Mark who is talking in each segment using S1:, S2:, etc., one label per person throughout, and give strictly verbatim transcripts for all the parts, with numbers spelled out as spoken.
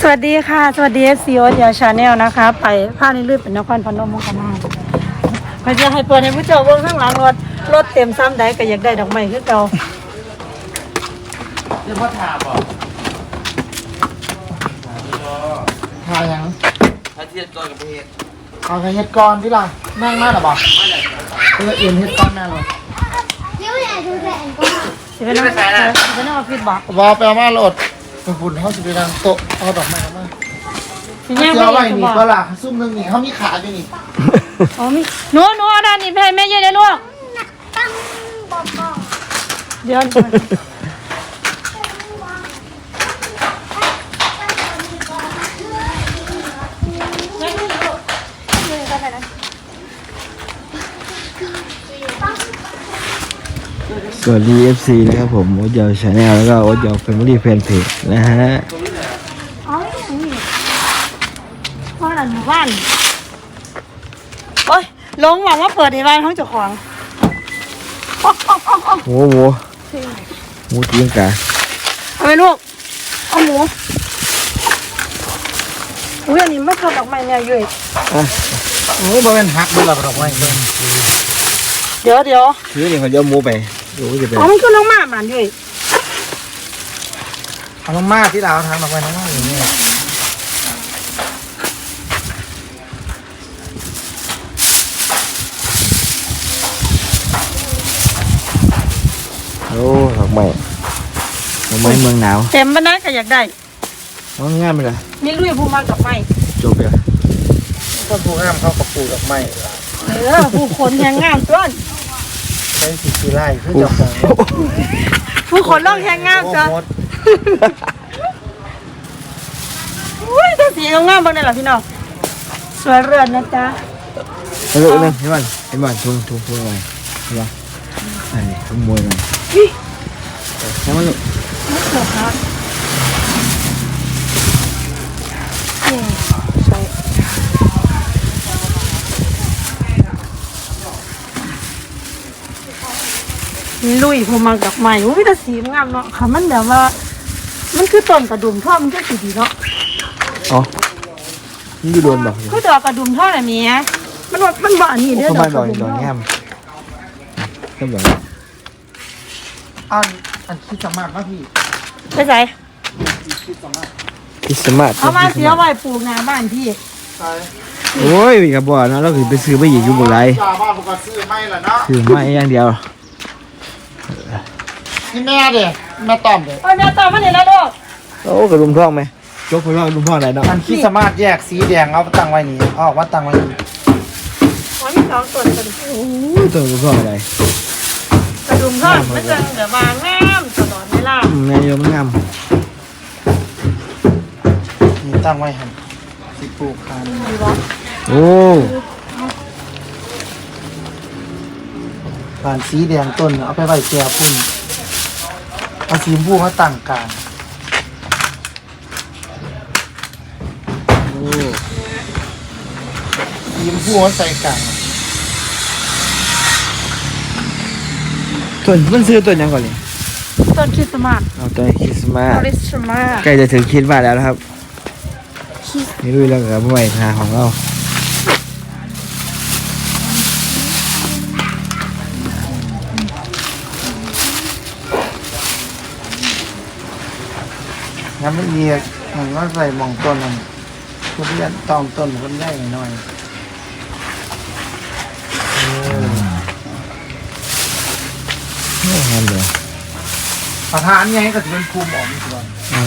S1: วัสดีค่ะสวัสดีเอฟซีโอ๊ตยาชาแนลนะคะไปผ้าในลืบเป็นนครพนมมุกดาหารพอจะให้เปิดให้ผู้เจ้าเบิ่งข้างหลังรถรถเต็มซ้ำใดก็อยากได้ดอกไม้คือเก่า
S2: เรียกว่าถาบอ่ะถายังถาเทียดก่อนกับเพชรเอาไปเฮ็ดก่อนที่ล่ะนั่งมาหรอบ่เออเอ็นเฮ็ดก่อนแน่เลย
S1: สิไปนั่งสิไปนั่งออฟฟิศบ่
S2: บ่ไปเอามาโหลดไปฝุ่นเฮาสิไปนั่งโต๊ะเอาดอกไม้มา
S1: สิย่างไป
S2: เอาไว้
S1: อีก
S2: นี่
S1: บ่
S2: ก็ล่ะซุ่มนึงนี่เฮามีขาอยู่นี่
S1: อ๋อมีหนูหนูเอาด้านนี้ไปให้แม่เย็นเลยลูกเดี๋ยว
S3: สวัสดี เอฟ ซี นะครับผมโอ๊ตยาวชาแนลแล้วก็โอ๊ตยาวแฟมิลี่แฟนเพจนะฮะ
S1: อ๋อนี่พ่อหลานหมู่บ้านโอ้ยลงหวังว่าเปิดในบ้านห้องเจ้าของ
S3: หมูหมูหมูจิ้งกา
S1: เอาไปลูกเอาหมูอุ้ยอันนี้ไม่ชอบดอกไม้เนี่ยยุ้ย
S2: โอ้บ่แม่นฮักบ่ล่ะดอกไม้เบิ่ง
S1: เดี๋ยวเดี๋ยว
S3: ซื้อนี่เขาจะหมูไปดูจะเป็น
S1: อ๋อมันคือน้องหมาบ้านยุ้ย
S2: เอาลงมาที่ดาวทางดอกไม้น้องมาอย่างนี้
S3: โอ้ดอกไม้ดอกไม้เมืองหนาว
S1: เต็มบ้านนั้นก็อยากได้
S3: น้องง่ายไหมล่ะ
S1: นี่ลุยผู้มากับไม้
S3: จบเลย
S2: ก็ผู้งามเขากับปลูกดอกไม้
S1: เออผู้คนแหงงามต้น
S2: ใช้สีสีไล่คือดอกไม้
S1: ผู้คนร่องแหงงามจ้ะอุ้ยตัวสีงามบ้างเนี่ยหรอพี่น้องสวยเรือนนะจ๊ะ
S3: เออเรื่องเห็นบ้านเห็นบ้านทุ่งทุ่งทุ่งอะไรเห็นบ้านอันนี้ทุ่งมวยมันใช่ไหมลูก
S1: ไม่เกิดครับลุยผู้มาดอกไม้อุ้ยแต่สีงามเนาะค่ะมันแบบว่ามันคือต้นกระดุมท่อมันก็สีดีเนาะ
S3: อ๋อนี่ดูโดนบอก
S1: คือดอกกระดุมท่ออะไรเนี้ยมันมันบ่อันนี้เด้อดอกกระดุมท่อ
S3: แง่มแง่มแบบ
S2: อันอันคิดสามารถป่ะพี่
S1: ไปใส่
S3: คิดสมาร์ท
S1: เอามาเสียไว้ปลูกหน้าบ้านพี่
S3: โอ้ยกับบ่อนะเราคือไปซื้อไปหยิบอยู่บ่ไร
S2: บ้านผมก็ซื้อไม่ละเนาะ
S3: ซื้อไม่อย่างเดียว
S2: นี่แม่เด้แม่ต้อมเด้
S1: โอ้ยแม่ต้อมมาเนี่ยแล้วลูก
S3: โอ้กระดุมท่องไหมยกไปว่ากระดุมท่องไหนเนาะ
S2: อันคิดสามารถแยกสีแดงเอาตั้งไว้นี่เอาว่าตั้งไว้นี่
S1: อ๋อมีสองส่วนกัน
S3: โอ้ตัวกระดุมท่องอะไร
S1: กระดุมท่อมันจะเดี๋ยวมางามตลอดเวลา
S3: แม่โยมงาม
S2: นี่ตั้งไว้หันสิปลูกคัน
S3: โอ้
S2: การสีแดงต้นเอาไปไว้แก่พุ่นเอาสีชมพูมาตั้งกลาง
S3: โอ้
S2: สีชมพูมาใส่กลาง
S3: ต้นมันซื้อต้นยังก่อนเลย
S1: ต้นคริสต์มาส
S3: เอาต้นคริสต์มาส
S1: คริสต์มาส
S3: ใกล้จะถึงคริสต์มาสแล้วนะครับนี่ด้วยแล้วกับใหม่ทางของเรา
S2: งั้นไม่มีมันว่าใส่มองต้นนั่นทุเรียนตอมต้นมันได้หน่อย
S3: นี่งามเลย
S2: ประธานไงก็จะเป็นภูมิออกนี่ก่อน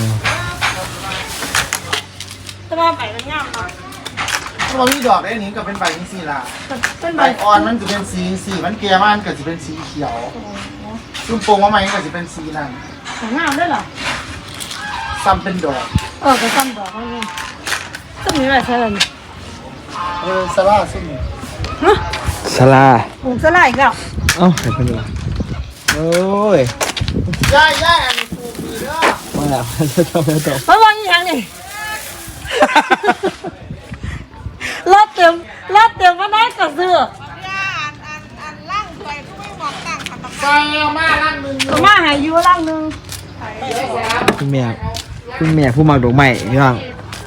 S1: แต่ว่าใบมันงามเนาะ
S2: ถ้าเรามีดอกได้นี้ก็เป็นใบนี้สีละ
S1: เป็น
S2: ใบอ่อนมันจะเป็นสีสีมันแก่มันก็จะเป็นสีเขียวซุ่มโป่งว่ามันก็จะเป็นสีนั่น
S1: งามด้วยเหรอ
S2: ซ้ำเป็นดอก
S1: เออก็ซ้ำดอกนี่ซ้ำนี้แบบใช่ไหม
S2: เออสลาซุ่ม
S1: ฮะ
S3: สลา
S1: ปลูกสลาอีกแล้ว
S3: เอ้าใครเป็นวะโอ้ย
S2: ย่ายย่ายอันนี้ปลูกดีเด้อ
S3: มาแล้วจะทำอะไรต่อ
S1: มาวางยังนี่รถเต็มรถเต็มมาได้กับเสื้อ
S2: ใส่มาล่างหนึ่ง
S1: มาหายอยู่ล่างหนึ่ง
S3: คุณแม่คุณแม่ผู้มักดอกไม้พี่น้อง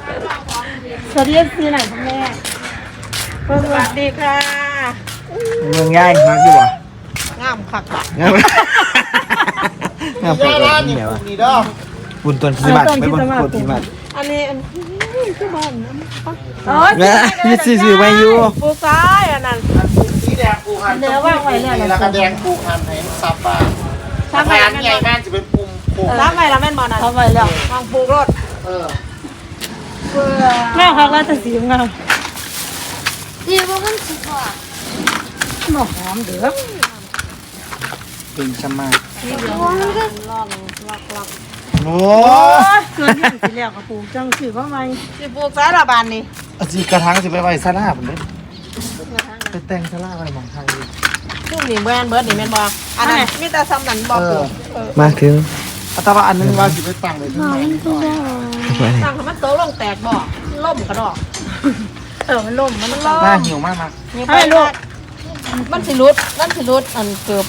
S1: สวัสดีซีไหนพ่อแม่สวัสดีค่ะ
S3: เมืองง่ายมากอยู่วะ
S1: งามคักอ่ะ
S3: งามงาม
S2: ย่า
S3: เล
S2: ร้าน
S3: ย
S2: นี่
S3: เนี่ยวะ
S2: นี่เด้อ
S3: บุญต้นสิบบาทไม่บุญต้นสิบบาท
S1: อันนี้อันคือบ้านน้ำอ๋อ
S3: นะนี่ซื้อไปอยู่
S1: ปูซ้ายอันนั้น
S2: สีแดงปูหัน
S1: เดี๋ยวว่างไว้เนี่ย
S2: แล้วก็แดงปูหันให้ซับบ้าน
S1: ทำไม
S2: ทานใหญ่แม่นจะเป็นปุ่มโค้ง
S1: ทำไมละแม่นบอลนะทำไมแล้ววางปูรถ
S2: เออ
S1: แม่เขาก็จะสีงาม
S4: ดีว่ามันสุดกว่า
S1: หอมเดือด
S2: เป็นชะมาก
S4: ว่ามันก็
S1: ลอกลอกลอก
S2: โอ้
S1: โอ้ยเกินอย่างสีเหลี่ยมกับปูจังสีว่าไงสีปูซ้ายละบานนี่
S2: อาจีกระถางสิไปไว้ซาลาผมเด้ไปแต่งซาลาอะไรมองทางดี
S1: ชุ่มนี่แม่นเบิร์ดนี่แม่นบออันนั้นมีแต่ซ้ำนันบอปู
S3: มาถึง
S2: แต่ว่าอันนึงว่าสิไปตั้งเลยข้างในนี่ก่อน
S1: ตั้งให้มันโตลงแตกบ่ล่มกระดอกเออมันล่มมันล่ม
S2: หน้าหิวมากมาก
S1: ให้ลูกมันสิรุดมันสิรุดอันเกือบ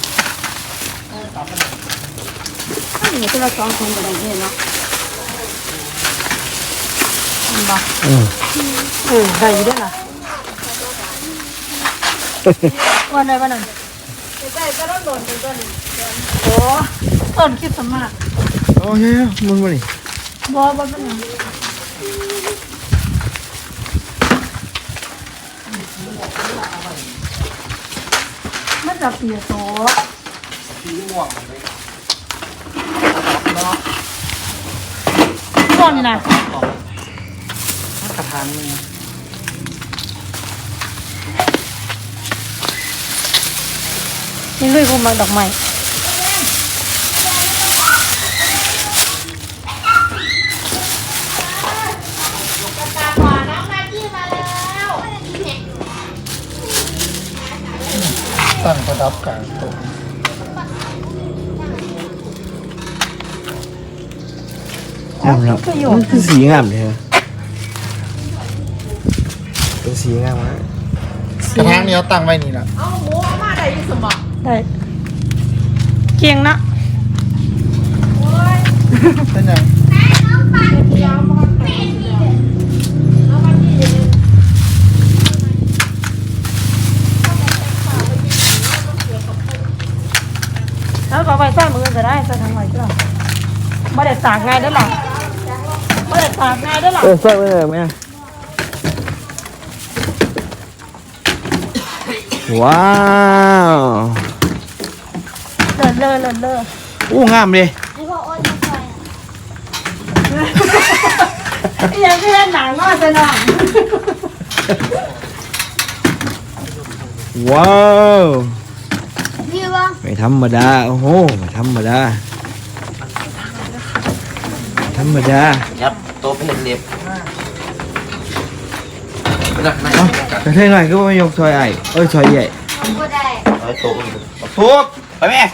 S1: อันนี้คือเราสองคนกันได้เนาะมันบ่
S3: อืม
S1: เออได้อยู่ด้วยล่ะวันไหนวันนั้นได้ก็ต้องโดนตัวนี้โอ้ต้นคิดสมาก
S3: โอ้ยมึงมาดิ
S1: บ่บ่เป็นหยังมันจะเปียโต
S2: สีม่วงเลย
S1: ต้นน่ะ
S2: กระถางนึง
S1: นี่ลุยคุมมันดอกไม้
S2: ตั้งประดับกลางโต๊ะ
S3: งามแล้วมันคือสีงามเลยเป็นสีงามมาก
S2: กระถางนี้เอาตั้งไว้นี่แหละ
S1: เอาหมูเอามาได้ยี่สมบัติได้เกียงนะ
S2: เป็นยัง
S1: แล้วก็ไปใส่มือจะได้ใส่ทางไหนก็ได้ไม่ได้ตากง่ายได้หรอไม่ได้ตากง่ายได้หรอ
S3: เออใส่ไว้เลยไหมว้าว
S1: เลิศเลิศเลิศเลิศ
S3: อู้งามเลย
S4: ไอ้พวกอ้นมาใส่
S1: ยังไม่ได้หนังก็จะหนัง
S3: ว้าว
S4: ดีว่า
S3: ไม่ธรรมดาโอ้โหไม่ธรรมดาธรรมดา
S5: ยับโต๊ะเป็นเล็บนักนัก
S3: เอ้าแต่เท่หน่อยก็ไม่ยกซอยไอ้เอ้ยซอยใหญ่
S4: ทำก็ได้
S5: เอาโต๊ะทุบไปแม่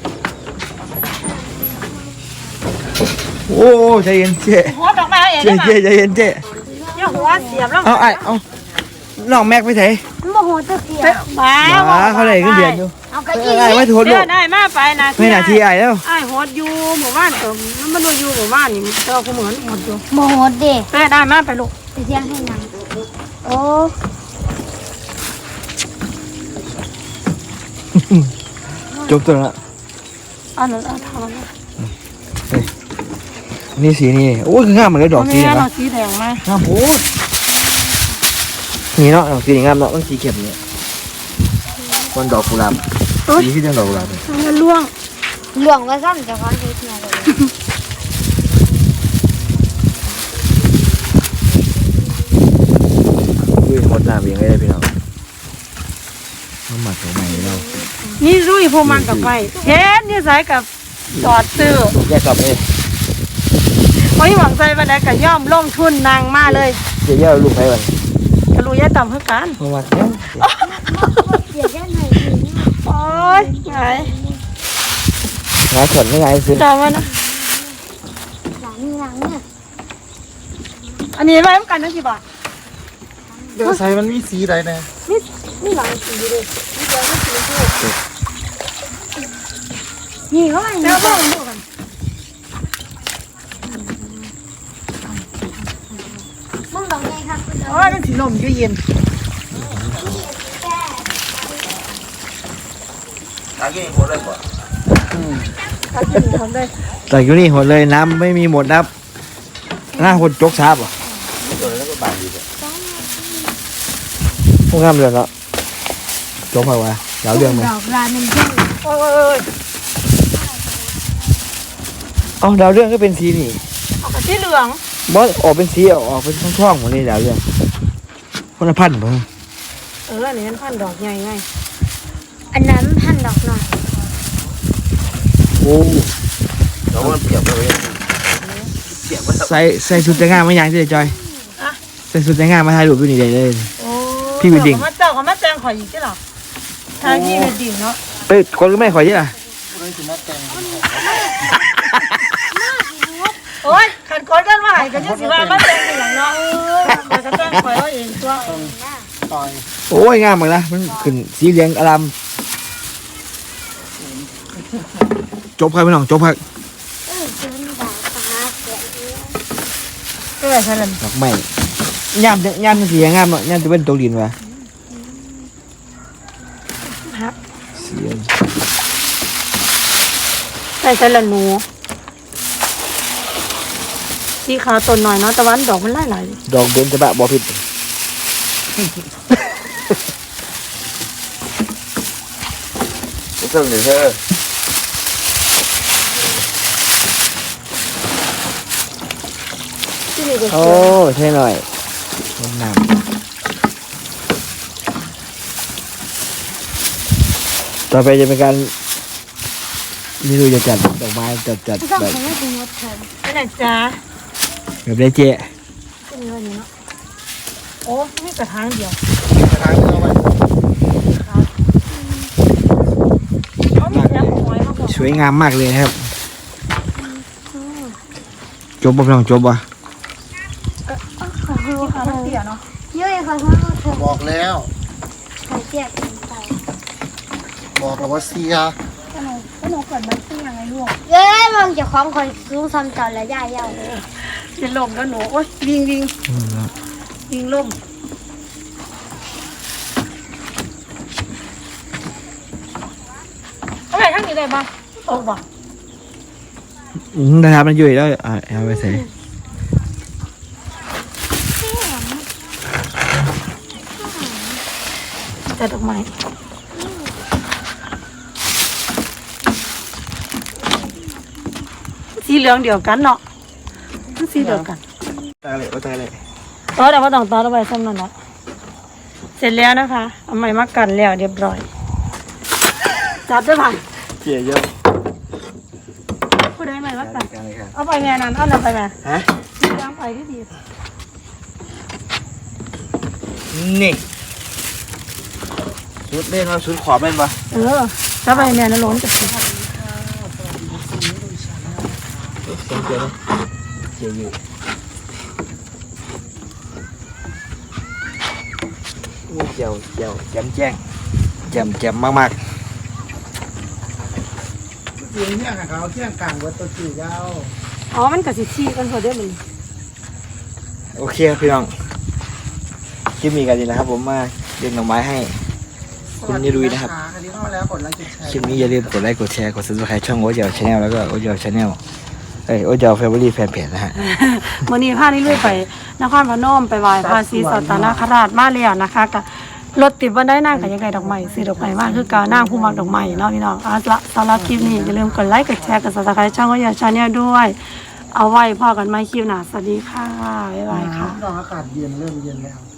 S3: โอ้ใจเย็นเจ๊
S1: หัวดอกไม้เอง
S3: เจ๊
S1: ได้ไหม
S3: เจ๊ใจเย็นเจ๊
S1: เนี่ยหัวเสียบแล้ว
S3: เอาไอ้เอาน้องแม็กไปไหน
S4: มันโมโหตะเกียบ
S1: บ้า
S3: หมาเขาได้ขึ้นเดือนอยู่
S4: เอากระ
S3: เอ
S4: ดิ่
S3: อง ไอ้ไม่ทน
S1: เดี๋
S3: ลู
S1: ย
S3: ก
S1: วได้มาไปนะ
S3: ไม่นาทีไอ้แล้ว
S1: ไอ้หดอยู่หมู่บ้านเติมมันมาอยู่หมู่บ้านนี่เราก็เหมือนหดอยู่
S4: โมโหเด็ก
S1: เต้ได้มาไปลูก
S4: ไปเที่ยงให้นางโอ้
S3: จบตัวละ
S1: อันนั้นเอาทำนะ
S3: นี่สีนี่โอ้ยคืองามเหมือนกับดอกสี
S1: นี่
S3: นะ
S1: เราสีแดงมาง
S3: ามโอ้ยนี่เนาะดอกสีงามเนาะมันสีเข็มเนี่ยคนดอกกุหลาบสีที่จังดอกกุหลาบเลย
S1: มันล่วง
S4: หลวงว่าซ้ำจะคอนเทนต์มาเลย
S3: อุ้ยหมดน้ำเองเลยพี่น้องน้ำหมักของใหม่เรา
S1: นี่รุ่ยพวมันกับไฟเฮ็ดนี่สายกับจอดซื้อ
S3: แยกกลับเลย
S1: เพราะที่หวังใจวันใดก็ย่อมลงทุนนางมาเลย
S3: เจ๊เย่าลูกไปวัน
S1: กระลุยยาต่ำเพื่อกัน
S3: เพราะว่าเนี่ย
S4: เสียแค่ไหนดี
S1: โอ้ยไง
S3: งานสดไม่ไงซื้อ
S1: จำไว้นะ
S4: หลังหลังเนี่ย
S1: อันนี้ไว้กันนั่นกี่บาท
S2: เดี๋ยวใส่มันมีสีใดแน่
S1: นี่นี่หลังสีเลยนี่เดียวไม่สีชมพูนี่เขาไอ้แล้วบ้างดูกัน
S4: มึงหลงไงครับคุณเอ
S1: โอ้ยมันสีลมอยู่เย็น
S5: ตากี้คนเลยป่ะ
S1: ถ้ากินทำได้
S3: แต่อยู่นี่หมดเลยน้ำไม่มีหมดนะครับหน้าคนจกซาบอ่ะ
S5: ตัวแล้วก็บางดีเลย
S3: พวกงามเรือนแล้วจกไปวะยาวเรื่องไหม
S4: ดอกลามันเยอะ
S1: โอ้ย
S3: เอ้าดาวเรื่องก็เป็นสีนี่
S1: เอากระที่เหลือง
S3: บอสออกเป็นสีออกออกเป็นช่องๆหมดเลยดาวเรื่องคนละพันเพิ่ง
S1: เอออันนี้มันพันดอกใหญ่ไง
S4: อันนั้นพันดอกหน่อย
S3: โอ้
S5: แล้วมันเปียกไปเลยเปียกไป
S3: ใส่ใส่สุดแต่งงานมาอย่างที่จอยใส่สุดแต่งงานมาถ่ายรูปอยู่นี่ได้เลย
S1: โอ้
S3: พี่วิดดิ้ง
S1: เจ้าก็มาเจ้าก็มาแจงข่อยอีกใช่หรอทางพี่วิดดิ้งเนาะ
S3: ไปคนก็ไม่ขอเยอะอ่ะ
S1: โอ้ยขันก้อนกันว่าให้กันยังสิว่ามาแจงอย่างเนาะเออมาจะแจงข่อยว่าเองตัว
S2: ต่อย
S3: โอ้ยงามเหมือนนะมันขึ้นสีเหลืองอารามจบครับพี่น้องจบครับ
S4: เออซื้อดาตาเสียเยอะ
S1: ก็เลยใช่เลย
S3: ดอกไม้ยามยามสีงามเนาะยามจะเป็นตัวดินวะ
S1: ครับ
S3: เสียง
S1: ใส่ใส่ละหนูสีขาวต้นหน่อยเนาะตะวันดอกมันไล่ไหล
S3: ดอกเบญจบะบอพิษ
S5: ไม่ต้องเดี๋ยวเธอ
S1: ที่นี่ก็
S3: โอ้ใช่หน่อยน้ำน้ำต่อไปจะเป็นการไม่รู้จะจัดดอกไม้จัดจัด
S4: ไม่ต้อง
S3: แบบ
S4: ทำให้ถึงหมดเถอะ
S1: ไปไหนจ้า
S3: แบบได้เจ๊
S1: ที่นี่วันนี้เนาะโอ้นี่กระถางเดียว
S2: ทางเข้าไป
S1: เขามีน้ำหอยมาบอก
S3: สวยงามมากเลยนะครับจบบ่พี่น้องจบบ่
S4: ขอดู
S1: ที่
S4: ค่ะ
S1: เขามันเตี้ยเนาะ
S4: เยอะขอโทษเถอะ
S2: บอกแล้ว
S4: ขอเจ็บไป
S2: บอกแล้วว่าเสีย
S1: ขนมขนมเกิดมันเตี้ยไงลูก
S4: เย้มองจะคล้องคอยรู้ซ้ำจอนและย่าเย้า
S1: จะลมแล้วหนูโอ้ยวิ่งวิ่งวิ่งลมเอาไปข้างนี้ได้ปะตกปะ
S3: อืมนะครับมันอยู่แล้วอ่าเอาไปใส่
S1: แต่ดอกไม้สีเหลืองเดียวกันเนาะสีเดียวกัน
S3: ตาเลยตาเลย
S1: ต่อแต่ว่าต้องต่อเอาไว้ซ้ำนั่นแหละเสร็จแล้วนะคะเอาไม้มากันแล้วเรียบร้อยจับได้ป่ะ
S3: เจี๋ยเยอะ
S1: ผู้ใดไม้มากัน
S3: กันเลยครับ
S1: เอาไปแม่นั้นเอานั่นไปแม่
S3: ฮะ
S1: ล้างไปที่ดี
S3: นี่ชุดเล่นว่าชุดขอบเล่นปะ
S1: เออถ้าไปแม่นั้นล้นจะสิ
S3: เจี๋ยเจี๋ยเจี๋ยอยู่นี่เจี๋ยวเจี๋ยวแจ่มแจ้งแจ่มแจ่มมาก
S2: เสียงเนี่ยค่ะเขาเที่ยงกลางวัดตัวจีเจ้า
S1: อ๋อมันกับสิชีกันพอได้มัน
S3: ๆโอเคครับพี่น้องคลิปนี้กันดีนะครับ ผมมาเลี้ยงหน่อไม้ให้ คุณยายลุยนะครับ
S2: อันนี้เข้ามาแล้วกดไลค์กดแชร์
S3: คลิปนี้อย่าลืมกดไลค์กดแชร์กดซับสไครต์ช่องโอ๊ตเจลชาแนลแล้วก็โอ๊ตเจลชาแนลเอ้ยโอ๊ตเจลแฟมิลี่แฟนเพจนะฮะ
S1: วันนี้พานี่ลุยไปนครพนมไปไหว้พระศรีสัตนคราชมาแล้วนะคะกับรถติดวันได้นั่งกับยังไงดอกไม้ซื้อดอกไม้มากคือการนั่งผู้มักดอกไม้เนาะพี่น้องเอาละสำหรับคลิปนี้อย่าลืมกดไลค์กดแชร์กดซับสไครต์ช่องโอ๊ตเจลชาแนลด้วย เอาไว้พอกันไหมคลิปหน้าสวัสดีค่ะบ๊ายบายค่ะ
S2: น้องอากาศเย็นเริ่มเย็นแล้ว